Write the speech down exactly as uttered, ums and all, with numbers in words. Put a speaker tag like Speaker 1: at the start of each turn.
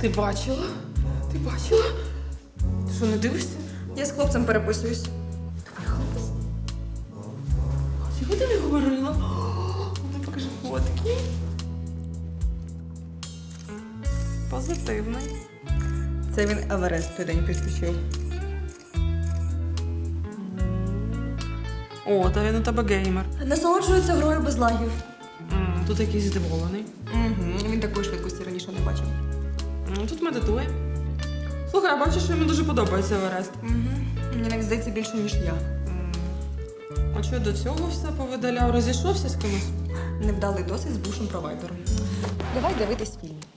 Speaker 1: Ти бачила? Ти бачила? Ти що, не дивишся?
Speaker 2: Я з хлопцем переписуюсь.
Speaker 1: Твій хлопець? Чого ти не говорила? О, ну покажи фотки. Позитивний.
Speaker 2: Це він Еверест той день підключив.
Speaker 1: О, та він у тебе геймер.
Speaker 2: Насолоджується грою без лагів.
Speaker 1: М, Тут якийсь здивований.
Speaker 2: Угу. Він такої швидкості раніше не бачив.
Speaker 1: М, Тут медитує. Слухай, я бачу, що йому дуже подобається Еверест.
Speaker 2: Угу. Мені навіть здається більше, ніж я.
Speaker 1: М, А що до цього все повидаляв? Розійшовся з кимось?
Speaker 2: Невдалий досвід з бувшим провайдером. Давай дивитись фільм.